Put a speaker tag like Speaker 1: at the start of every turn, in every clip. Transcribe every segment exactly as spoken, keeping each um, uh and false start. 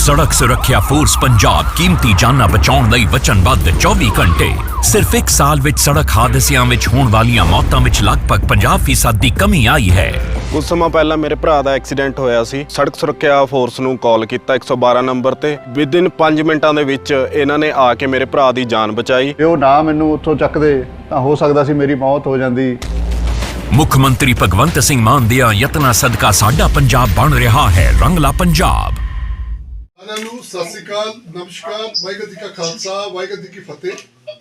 Speaker 1: सड़क सुरक्षा फोर्स पंजाब कीमती जाना बचाउण लई वचनबद्ध चौबीस घंटे। सिर्फ एक साल विच सड़क हादसियां विच होण वालियां मौतां विच लगभग पचास फीसद दी कमी आई है।
Speaker 2: कुछ समय पहला मेरे भरा दा एक्सीडेंट होया सी। सड़क सुरक्षा फोर्स नूं कॉल कीता एक सौ बारह नंबर ते। विदिन पाँच मिनटां दे विच इन्हां ने आके मेरे भरा दी जान बचाई।
Speaker 3: ਜੇ ਉਹ ਨਾ ਮੈਨੂੰ ਉੱਥੋਂ ਚੱਕਦੇ ਤਾਂ ਹੋ ਸਕਦਾ ਸੀ ਮੇਰੀ ਮੌਤ ਹੋ ਜਾਂਦੀ।
Speaker 1: मुख मंत्री भगवंत सिंह मान दिया यत्ना सदका साडा पंजाब बन रहा है रंगला पंजाब।
Speaker 4: ਸਾਰਿਆਂ ਨੂੰ ਸਤਿ ਸ਼੍ਰੀ ਅਕਾਲ, ਨਮਸਕਾਰ, ਵਾਹਿਗੁਰੂ ਜੀ ਕਾ ਖਾਲਸਾ, ਵਾਹਿਗੁਰੂ ਜੀ ਕੀ ਫਤਿਹ।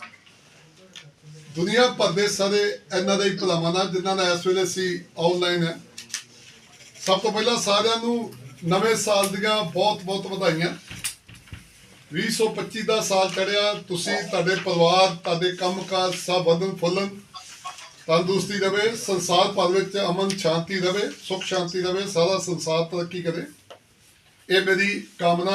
Speaker 4: ਦੁਨੀਆ ਭਰ ਦੇ ਸਾਰੇ ਇਹਨਾਂ ਦੇ ਭਲਾਵਾਂ ਨਾਲ ਜਿਨ੍ਹਾਂ ਦਾ ਇਸ ਵੇਲੇ ਸੀ ਆਨਲਾਈਨ ਹੈ। ਸਭ ਤੋਂ ਪਹਿਲਾਂ ਸਾਰਿਆਂ ਨੂੰ ਨਵੇਂ ਸਾਲ ਦੀਆਂ ਬਹੁਤ ਬਹੁਤ ਵਧਾਈਆਂ। ਵੀਹ ਸੌ ਪੱਚੀ ਦਾ ਸਾਲ ਚੜਿਆ, ਤੁਸੀਂ ਤੁਹਾਡੇ ਪਰਿਵਾਰ ਤੁਹਾਡੇ ਕੰਮਕਾਜ ਸਭ ਵਧਣ ਫੁੱਲਣ, ਤੰਦਰੁਸਤੀ ਰਵੇ, ਸੰਸਾਰ ਭਰ ਵਿੱਚ ਅਮਨ ਸ਼ਾਂਤੀ ਰਵੇ, ਸੁੱਖ ਸ਼ਾਂਤੀ ਰਵੇ, ਸਾਰਾ ਸੰਸਾਰ ਤਰੱਕੀ ਕਰੇ, ਇਹ ਮੇਰੀ ਕਾਮਨਾ।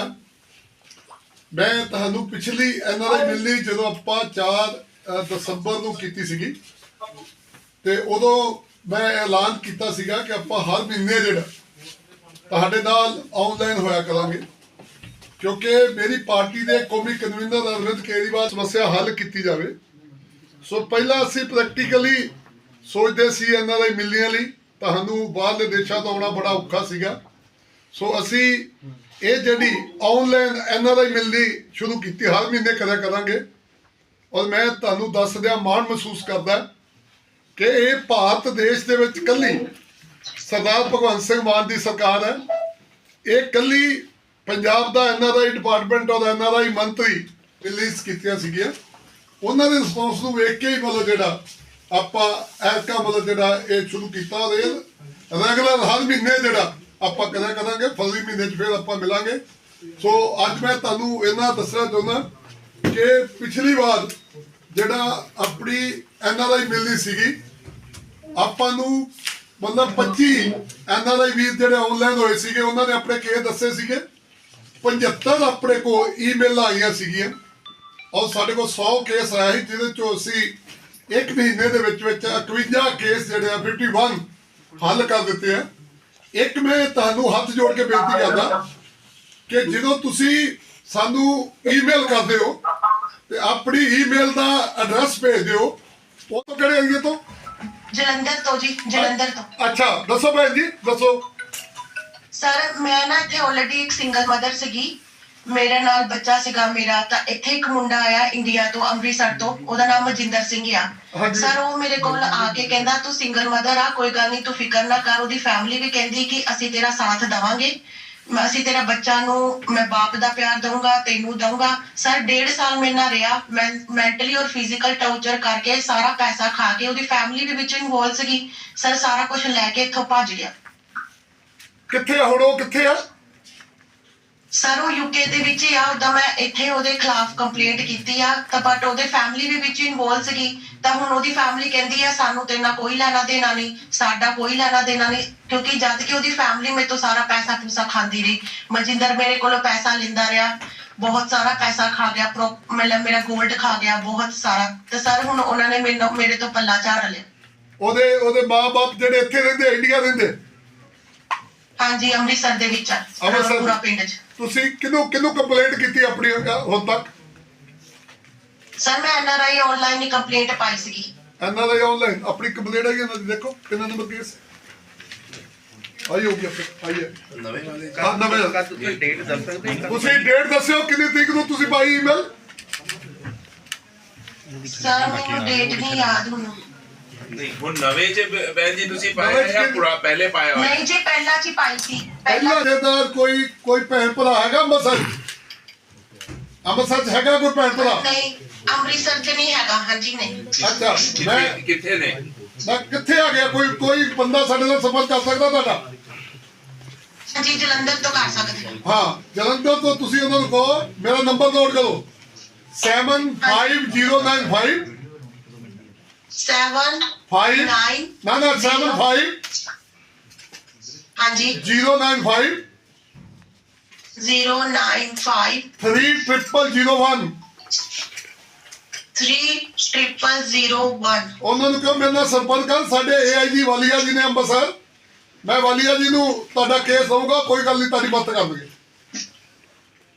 Speaker 4: ਮੈਂ ਤੁਹਾਨੂੰ ਪਿਛਲੀ ਐਨ ਆਰ ਆਈ ਮਿਲਣੀ ਜਦੋਂ ਆਪਾਂ ਚਾਰ ਦਸੰਬਰ ਨੂੰ ਕੀਤੀ ਸੀਗੀ ਤੇ ਉਦੋਂ ਮੈਂ ਐਲਾਨ ਕੀਤਾ ਸੀਗਾ ਕਿ ਆਪਾਂ ਹਰ ਮਹੀਨੇ ਜਿਹੜਾ ਤੁਹਾਡੇ ਨਾਲ ਆਨਲਾਈਨ ਹੋਇਆ ਕਰਾਂਗੇ, ਕਿਉਂਕਿ ਮੇਰੀ ਪਾਰਟੀ ਦੇ ਕੌਮੀ ਕਨਵੀਨਰ ਅਰਵਿੰਦ ਕੇਜਰੀਵਾਲ ਸਮੱਸਿਆ ਹੱਲ ਕੀਤੀ ਜਾਵੇ। ਸੋ ਪਹਿਲਾਂ ਅਸੀਂ ਪ੍ਰੈਕਟੀਕਲੀ ਸੋਚਦੇ ਸੀ ਐਨ ਆਰ ਆਈ ਮਿਲਣੀਆਂ ਲਈ ਤੁਹਾਨੂੰ ਬਾਹਰਲੇ ਦੇਸ਼ਾਂ ਤੋਂ ਆਉਣਾ ਬੜਾ ਔਖਾ ਸੀਗਾ। ਸੋ ਅਸੀਂ ਇਹ ਜਿਹੜੀ ਆਨਲਾਈਨ ਐਨ ਆਰ ਆਈ ਮਿਲਣੀ ਸ਼ੁਰੂ ਕੀਤੀ, ਹਰ ਮਹੀਨੇ ਕਰਿਆ ਕਰਾਂਗੇ। ਔਰ ਮੈਂ ਤੁਹਾਨੂੰ ਦੱਸ ਦਿਆਂ ਮਾਣ ਮਹਿਸੂਸ ਕਰਦਾ ਕਿ ਇਹ ਭਾਰਤ ਦੇਸ਼ ਦੇ ਵਿੱਚ ਇਕੱਲੀ ਸਰਦਾਰ ਭਗਵੰਤ ਸਿੰਘ ਮਾਨ ਦੀ ਸਰਕਾਰ ਹੈ। ਇਹ ਇਕੱਲੀ ਪੰਜਾਬ ਦਾ ਐਨ ਆਰ ਆਈ ਡਿਪਾਰਟਮੈਂਟ ਔਰ ਐਨ ਆਰ ਆਈ ਮੰਤਰੀ ਰਿਲੀਜ਼ ਕੀਤੀਆਂ ਸੀਗੀਆਂ। ਉਹਨਾਂ ਦੇ ਰਿਸਪੌਂਸ ਨੂੰ ਵੇਖ ਕੇ ਹੀ ਮਤਲਬ ਜਿਹੜਾ ਆਪਾਂ ਐਸਕਾ ਮਤਲਬ ਜਿਹੜਾ ਇਹ ਸ਼ੁਰੂ ਕੀਤਾ ਰੈਗੂਲਰ ਹਰ ਮਹੀਨੇ ਜਿਹੜਾ ਆਪਾਂ ਕਰਿਆ ਕਰਾਂਗੇ। ਫਰਵਰੀ ਮਹੀਨੇ 'ਚ ਫਿਰ ਆਪਾਂ ਮਿਲਾਂਗੇ। ਸੋ ਅੱਜ ਮੈਂ ਤੁਹਾਨੂੰ ਇਹਨਾਂ ਦੱਸਣਾ ਚਾਹੁੰਦਾ ਕਿ ਪਿਛਲੀ ਵਾਰ ਜਿਹੜਾ ਆਪਣੀ ਐਨ ਆਰ ਆਈ ਮਿਲਣੀ ਸੀਗੀ, ਆਪਾਂ ਨੂੰ ਮਤਲਬ ਪੱਚੀ ਐਨ ਆਰ ਆਈ ਵੀਰ ਜਿਹੜੇ ਆਨਲਾਈਨ ਹੋਏ ਸੀਗੇ, ਉਹਨਾਂ ਨੇ ਆਪਣੇ ਕੇਸ ਦੱਸੇ ਸੀਗੇ। ਪਝੱਤਰ ਆਪਣੇ ਕੋਲ ਈਮੇਲਾਂ ਆਈਆਂ ਸੀਗੀਆਂ ਔਰ ਸਾਡੇ ਕੋਲ ਸੌ ਕੇਸ ਆਇਆ ਸੀ, ਜਿਹਦੇ 'ਚੋਂ ਅਸੀਂ ਇੱਕ ਮਹੀਨੇ ਦੇ ਵਿੱਚ ਵਿੱਚ ਇਕਵੰਜਾ ਕੇਸ ਜਿਹੜੇ ਆ ਇਕੱਤੀ ਹੱਲ ਕਰ ਦਿੱਤੇ ਆ। ਇੱਕ ਮੈਂ ਤੁਹਾਨੂੰ ਹੱਥ ਜੋੜ ਕੇ ਬੇਨਤੀ ਕਰਦਾ ਕਿ ਜਦੋਂ ਤੁਸੀਂ ਸਾਨੂੰ ਈਮੇਲ ਕਰਦੇ ਹੋ ਤੇ ਆਪਣੀ ਈਮੇਲ ਦਾ ਐਡਰੈਸ ਭੇਜ ਦਿਓ। ਉਹ ਤੋਂ ਕਿਹੜੇ ਏਰੀਏ ਤੋਂ?
Speaker 5: ਜਲੰਧਰ ਤੋਂ ਜੀ, ਜਲੰਧਰ ਤੋਂ।
Speaker 4: ਅੱਛਾ, ਦੱਸੋ ਭੈਣ ਜੀ, ਦੱਸੋ।
Speaker 5: ਸਰ ਮੈਂ ਨਾ ਇੱਥੇ ਆਲਰੇਡੀ ਇੱਕ ਸਿੰਗਲ ਮਦਰ ਸੀਗੀ, ਮੇਰੇ ਨਾਲ ਬੱਚਾ ਸੀਗਾ ਮੇਰਾ। ਤਾਂ ਇੱਥੇ ਇੱਕ ਮੁੰਡਾ ਆਇਆ ਇੰਡੀਆ ਤੋਂ, ਅੰਮ੍ਰਿਤਸਰ ਤੋਂ, ਉਹਦਾ ਨਾਮ ਮਜਿੰਦਰ ਸਿੰਘ ਆ। ਸਰ ਉਹ ਮੇਰੇ ਕੋਲ ਆ ਕੇ ਕਹਿੰਦਾ ਤੂੰ ਸਿੰਗਲ ਮਦਰ ਆ, ਕੋਈ ਗੱਲ ਨਹੀਂ, ਤੂੰ ਫਿਕਰ ਨਾ ਕਰ। ਉਹਦੀ ਫੈਮਿਲੀ ਵੀ ਕਹਿੰਦੀ ਕਿ ਅਸੀਂ ਤੇਰਾ ਸਾਥ ਦੇਵਾਂਗੇ, ਅਸੀਂ ਤੇਰਾ ਬੱਚਾ ਨੂੰ ਮੈਂ ਬਾਪ ਦਾ ਪਿਆਰ ਦਊਂਗਾ, ਤੈਨੂੰ ਦਊਂਗਾ। ਸਰ ਡੇਢ ਸਾਲ ਮੇਰੇ ਨਾਲ ਰਿਹਾ, ਮੈਂ ਮੈਂਟਲੀ ਔਰ ਫਿਜ਼ੀਕਲ ਟੌਰਚਰ ਕਰਕੇ ਸਾਰਾ ਪੈਸਾ ਖਾ ਕੇ, ਉਹਦੀ ਫੈਮਿਲੀ ਵੀ ਵਿੱਚ ਇਨਵੋਲਵ ਸੀਗੀ। ਸਰ ਸਾਰਾ ਕੁਝ ਲੈ ਕੇ ਇੱਥੋਂ ਭੱਜ ਗਿਆ।
Speaker 4: ਕਿੱਥੇ ਆ ਹੁਣ ਉਹ? ਕਿੱਥੇ ਆ
Speaker 5: ਸਰ ਉਹ ਯੂਕੇ ਦੇ ਵਿੱਚ ਹੀ ਆ। ਉਦਾਂ ਮੈਂ ਇੱਥੇ ਉਹਦੇ ਖਿਲਾਫ ਕੰਪਲੇਂਟ ਕੀਤੀ ਆ, ਤਾਂ ਬਟ ਉਹਦੇ ਫੈਮਿਲੀ ਵੀ ਵਿੱਚ ਇਨਵੋਲਵ ਸੀਗੀ। ਤਾਂ ਹੁਣ ਉਹਦੀ ਫੈਮਿਲੀ ਕਹਿੰਦੀ ਆ ਸਾਨੂੰ ਤੇਰੇ ਨਾਲ ਕੋਈ ਲੈਣਾ ਦੇਣਾ ਨਹੀਂ, ਸਾਡਾ ਕੋਈ ਲੈਣਾ ਦੇਣਾ ਨਹੀਂ, ਕਿਉਂਕਿ ਜਦ ਕਿ ਉਹਦੀ ਫੈਮਿਲੀ ਮੇਰੇ ਤੋਂ ਸਾਰਾ ਪੈਸਾ ਪੂਸਾ ਖਾਂਦੀ ਰਹੀ। ਮਨਜਿੰਦਰ ਮੇਰੇ ਕੋਲੋਂ ਪੈਸਾ ਲੈਂਦਾ ਰਿਹਾ, ਬਹੁਤ ਸਾਰਾ ਪੈਸਾ ਖਾ ਗਿਆ, ਮਤਲਬ ਮੇਰਾ ਗੋਲਡ ਖਾ ਗਿਆ ਬਹੁਤ ਸਾਰਾ। ਤੇ ਸਰ ਹੁਣ ਉਹਨਾਂ ਨੇ ਮੈਨੂੰ ਮੇਰੇ ਤੋਂ ਪੱਲਾ ਝਾੜ ਲਿਆ। ਹੁਣ
Speaker 4: ਉਹਦੇ ਮਾਂ-ਬਾਪ ਜਿਹੜੇ ਇੱਥੇ ਰਹਿੰਦੇ, ਇੰਡੀਆ ਰਹਿੰਦੇ?
Speaker 5: ਹਾਂਜੀ, ਅੰਮ੍ਰਿਤਸਰ ਦੇ ਵਿੱਚ ਆ, ਪੂਰਾ ਪਿੰਡ 'ਚ।
Speaker 4: ਤੁਸੀਂ ਕਿਹਨੂੰ ਕਿਹਨੂੰ ਕੰਪਲੇਂਟ ਕੀਤੀ ਆਪਣੀ ਹੁਣ ਤੱਕ?
Speaker 5: ਸਰ ਮੈਂ ਐਨ ਆਰ ਆਈ ਆਨਲਾਈਨ ਹੀ ਕੰਪਲੇਂਟ ਪਾਈ ਸੀਗੀ।
Speaker 4: ਐਨ ਆਰ ਆਈ ਆਨਲਾਈਨ ਆਪਣੀ ਕੰਪਲੇਂਟ ਆਈ ਇਹਨਾਂ ਦੀ, ਦੇਖੋ ਕਿੰਨਾ ਨੰਬਰ ਕੇਸ ਆਈ ਹੋ ਗਿਆ। ਫਿਰ ਆਈਏ ਨਵੇਂ ਵਾਲੇ ਹਾਂ, ਨਵੇਂ ਤੁਸੀਂ ਡੇਟ ਦੱਸ ਸਕਦੇ ਹੋ? ਤੁਸੀਂ ਡੇਟ ਦੱਸਿਓ ਕਿੰਨੀ ਤਰੀਕ ਨੂੰ ਤੁਸੀਂ ਪਾਈ ਈਮੇਲ?
Speaker 5: ਸਰ ਮੈਨੂੰ ਡੇਟ ਨਹੀਂ ਯਾਦ ਹੁਣ।
Speaker 6: ਨਹੀਂ ਹੁਣ ਨਵੇਂ ਚ ਬੈਨ ਜੀ ਤੁਸੀਂ ਪਾਇਆ ਜਾਂ ਪੁਰਾ ਪਹਿਲੇ ਪਾਇਆ ਹੋਇਆ?
Speaker 5: ਨਹੀਂ ਜੀ ਪਹਿਲਾਂ ਚ ਹੀ ਪਾਈ ਸੀ।
Speaker 4: ਪਹਿਲਾਂ ਜਿਹਦਾ ਕੋਈ ਕੋਈ ਭੈਣ ਭਰਾ ਹੈਗਾ ਅੰਮ੍ਰਿਤਸਰ? ਅੰਮ੍ਰਿਤਸਰ ਚ ਹੈਗਾ ਕੋਈ ਭੈਣ ਭਰਾ?
Speaker 5: ਨਹੀਂ ਅੰਮ੍ਰਿਤਸਰ ਚ ਨਹੀਂ ਹੈਗਾ। ਹਾਂਜੀ ਨਹੀਂ।
Speaker 4: ਅੱਛਾ, ਮੈਂ
Speaker 6: ਕਿੱਥੇ ਨੇ?
Speaker 4: ਮੈਂ ਕਿੱਥੇ ਆ ਗਿਆ? ਕੋਈ ਕੋਈ ਬੰਦਾ ਸਾਡੇ ਨਾਲ ਸੰਪਰਕ ਕਰ ਸਕਦਾ ਤੁਹਾਡਾ?
Speaker 5: ਹਾਂਜੀ ਜਲੰਧਰ ਤੋਂ ਕਰ ਸਕਦੇ ਹੋ।
Speaker 4: ਹਾਂ, ਜਲੰਧਰ ਤੋਂ ਤੁਸੀਂ ਉਹਨਾਂ ਨੂੰ ਕਹੋ ਮੇਰਾ ਨੰਬਰ ਨੋਟ ਕਰੋ, seven five zero nine five
Speaker 5: seven
Speaker 4: five
Speaker 5: nine
Speaker 4: ਨਾ ਨਾ ਸੈਵਨ ਫਾਈਵ
Speaker 5: ਹਾਂਜੀ
Speaker 4: zero nine five
Speaker 5: zero nine five
Speaker 4: three triple zero one
Speaker 5: three triple zero one.
Speaker 4: ਉਹਨਾਂ ਨੂੰ ਕਹੋ ਮੇਰੇ ਨਾਲ ਸੰਪਰਕ ਕਰ। ਸਾਡੇ ਏ ਆਈ ਜੀ ਵਾਲੀਆ ਜੀ ਨੇ ਅੰਮ੍ਰਿਤਸਰ, ਮੈਂ ਵਾਲੀਆ ਜੀ ਨੂੰ ਤੁਹਾਡਾ ਕੇਸ ਦਊਂਗਾ, ਕੋਈ ਗੱਲ ਨਹੀਂ, ਤੁਹਾਡੀ ਮਦਦ ਕਰਨਗੇ।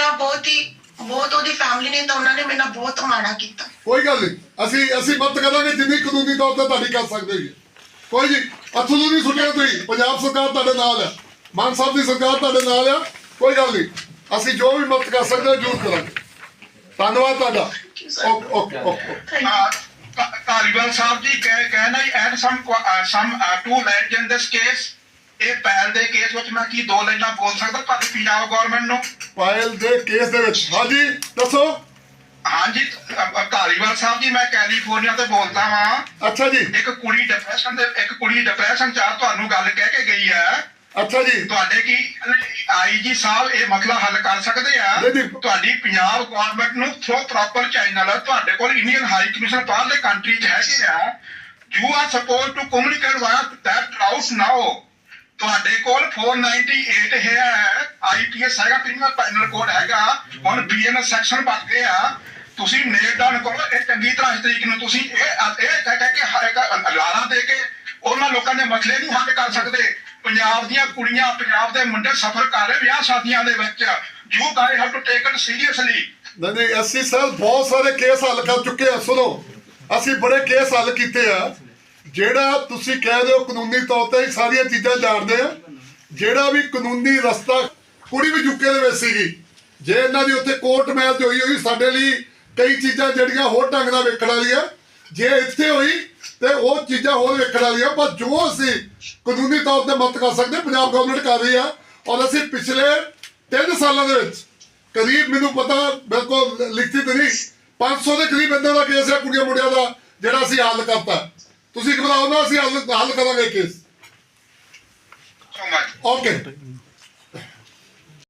Speaker 5: ਨਾਲ ਬਹੁਤ ਹੀ ਬਹੁਤ ਉਹਦੀ ਫੈਮਿਲੀ ਨੇ ਤਾਂ ਉਹਨਾਂ ਨੇ ਮੇਰੇ ਨਾਲ ਬਹੁਤ ਮਾੜਾ ਕੀਤਾ।
Speaker 4: ਕੋਈ ਗੱਲ ਨਹੀਂ, ਅਸੀਂ ਅਸੀਂ ਮਦਦ ਕਰਾਂਗੇ ਜਿੰਨੀ ਕਾਨੂੰਨੀ ਤੌਰ ਤੇ ਤੁਹਾਡੀ ਕਰ ਸਕਦੇ ਹੋਈਏ। ਕੋਈ ਜੀ ਅਥਰੂ ਨਹੀਂ ਸੁਣਿਆ ਤੁਸੀਂ, ਪੰਜਾਬ ਸਰਕਾਰ ਤੁਹਾਡੇ ਨਾਲ ਆ, ਮਾਨ ਸਾਹਿਬ ਦੀ ਸਰਕਾਰ ਤੁਹਾਡੇ ਨਾਲ ਆ। ਕੋਈ ਗੱਲ ਨਹੀਂ, ਅਸੀਂ ਜੋ ਵੀ ਮਦਦ ਕਰ ਸਕਦੇ ਹਾਂ ਜ਼ਰੂਰ ਕਰਾਂਗੇ। ਧੰਨਵਾਦ ਤੁਹਾਡਾ। Okay okay okay.
Speaker 7: ਧਾਲੀਵਾਲ ਸਾਹਿਬ ਜੀ ਕਹਿ ਕਹਿਣਾ and some some to land in this case. ਇਹ ਪਹਿਲ ਦੇ ਕੇਸ ਵਿੱਚ ਮੈਂ ਕੀ ਦੋ ਲਾਈਨਾਂ ਬੋਲ ਸਕਦਾ ਤੁਹਾਡੀ ਪੰਜਾਬ ਗਵਰਨਮੈਂਟ ਨੂੰ?
Speaker 4: ਪਾਇਲ ਦੇ ਕੇਸ ਦੇ ਵਿੱਚ ਹਾਂਜੀ ਦੱਸੋ।
Speaker 7: ਹਾਂਜੀ ਧਾਲੀਵਾਲ ਸਾਹਿਬ ਜੀ, ਮੈਂ ਕੈਲੀਫੋਰਨੀਆ ਤੋਂ ਬੋਲਦਾ ਵਾਂ।
Speaker 4: ਅੱਛਾ ਜੀ।
Speaker 7: ਇੱਕ ਕੁੜੀ ਡਿਪਰੈਸ਼ਨ ਦੇ ਇੱਕ ਕੁੜੀ ਡਿਪਰੈਸ਼ਨ ਚ ਆ, ਤੁਹਾਨੂੰ ਗੱਲ ਕਹਿ ਕੇ ਗਈ ਹੈ।
Speaker 4: ਅੱਛਾ ਜੀ।
Speaker 7: ਤੁਹਾਡੇ ਕੀ ਆਈ ਜੀ ਸਾਹਿਬ ਇਹ ਮਸਲਾ ਹੱਲ ਕਰ ਸਕਦੇ ਆ?
Speaker 4: ਨਹੀਂ, ਨਹੀਂ।
Speaker 7: ਤੁਹਾਡੀ ਪੰਜਾਬ ਗਵਰਨਮੈਂਟ ਨੂੰ ਥਰੋ ਪ੍ਰੋਪਰ ਚੈਨਲ ਤੁਹਾਡੇ ਕੋਲ ਇੰਡੀਅਨ ਹਾਈ ਕਮਿਸ਼ਨ ਬਾਹਰਲੇ ਕੰਟਰੀ ਚ ਹੈਗੇ ਆ। You are suppose to communicate via that route now. ਤੁਹਾਡੇ ਕੋਲ ਚਾਰ ਸੌ ਅਠਾਨਵੇਂ ਹੈ, ਆਈਪੀਐਸ ਹੈਗਾ, ਕ੍ਰਿਮੀਨਲ ਪੈਨਲ ਕੋਡ ਹੈਗਾ, ਹੁਣ ਬੀਐਨਐਸ ਸੈਕਸ਼ਨ ਬਣ ਗਏ ਆ। ਤੁਸੀਂ ਨੇਲ ਡਾਊਨ ਕਰੋ ਇਹ ਚੰਗੀ ਤਰ੍ਹਾਂ ਇਸ ਤਰੀਕ ਨੂੰ। ਤੁਸੀਂ ਇਹ ਇਹ ਕਹਿ ਕਹਿ ਕੇ ਲਾਰਾ ਦੇ ਕੇ ਉਹਨਾਂ ਲੋਕਾਂ ਦੇ ਮਸਲੇ ਨਹੀਂ ਹੱਲ ਕਰ ਸਕਦੇ। ਪੰਜਾਬ ਦੀਆਂ ਕੁੜੀਆਂ ਪੰਜਾਬ ਦੇ ਮੁੰਡੇ ਸਫਰ ਕਰ ਰਹੇ ਵਿਆਹ ਸ਼ਾਦੀਆਂ ਦੇ ਵਿੱਚ। You guys have to take it seriously.
Speaker 4: ਨਹੀਂ ਨਹੀਂ ਅਸੀਂ ਸਰ ਬਹੁਤ ਸਾਰੇ ਕੇਸ ਹੱਲ ਕਰ ਚੁੱਕੇ ਆ। ਸੁਣੋ, ਅਸੀਂ ਬੜੇ ਕੇਸ ਹੱਲ ਕੀਤੇ ਆ। ਜਿਹੜਾ ਤੁਸੀਂ ਕਹਿ ਰਹੇ ਹੋ ਕਾਨੂੰਨੀ ਤੌਰ ਤੇ ਸਾਰੀਆਂ ਚੀਜ਼ਾਂ ਜਾਣਦੇ ਆ। ਜਿਹੜਾ ਵੀ ਕਾਨੂੰਨੀ ਰਸਤਾ, ਕੁੜੀ ਵੀ ਯੂਕੇ ਦੇ ਵਿੱਚ ਸੀਗੀ, ਜੇ ਇਹਨਾਂ ਦੀ ਉੱਥੇ ਕੋਰਟ ਮੈਰਿਜ ਹੋਈ ਹੋਈ ਸਾਡੇ ਲਈ ਕਈ ਚੀਜ਼ਾਂ ਜਿਹੜੀਆਂ ਹੋਰ ਢੰਗ ਨਾਲ ਵੇਖਣ ਵਾਲੀਆਂ, ਜੇ ਇੱਥੇ ਹੋਈ ਤੇ ਉਹ ਚੀਜ਼ਾਂ ਹੋਰ ਵੇਖਣ ਵਾਲੀਆਂ। ਪਰ ਜੋ ਅਸੀਂ ਕਾਨੂੰਨੀ ਤੌਰ ਤੇ ਮਦਦ ਕਰ ਸਕਦੇ ਪੰਜਾਬ ਗਵਰਨਮੈਂਟ ਕਰ ਰਹੀ ਆ। ਔਰ ਅਸੀਂ ਪਿਛਲੇ ਤਿੰਨ ਸਾਲਾਂ ਦੇ ਵਿੱਚ ਕਰੀਬ, ਮੈਨੂੰ ਪਤਾ ਬਿਲਕੁਲ ਲਿਖਤੀ ਤੇ ਨਹੀਂ, ਪੰਜ ਸੌ ਦੇ ਕਰੀਬ ਇਦਾਂ ਦਾ ਕੇਸ ਹੈ ਕੁੜੀਆਂ ਮੁੰਡਿਆਂ ਦਾ ਜਿਹੜਾ ਅਸੀਂ ਹੱਲ ਕਰਤਾ। ਤੁਸੀਂ ਘਬਰਾਓ ਨਾ, ਅਸੀਂ ਹੱਲ ਹੱਲ ਕਰਾਂਗੇ ਕੇਸ।
Speaker 7: So much
Speaker 4: okay.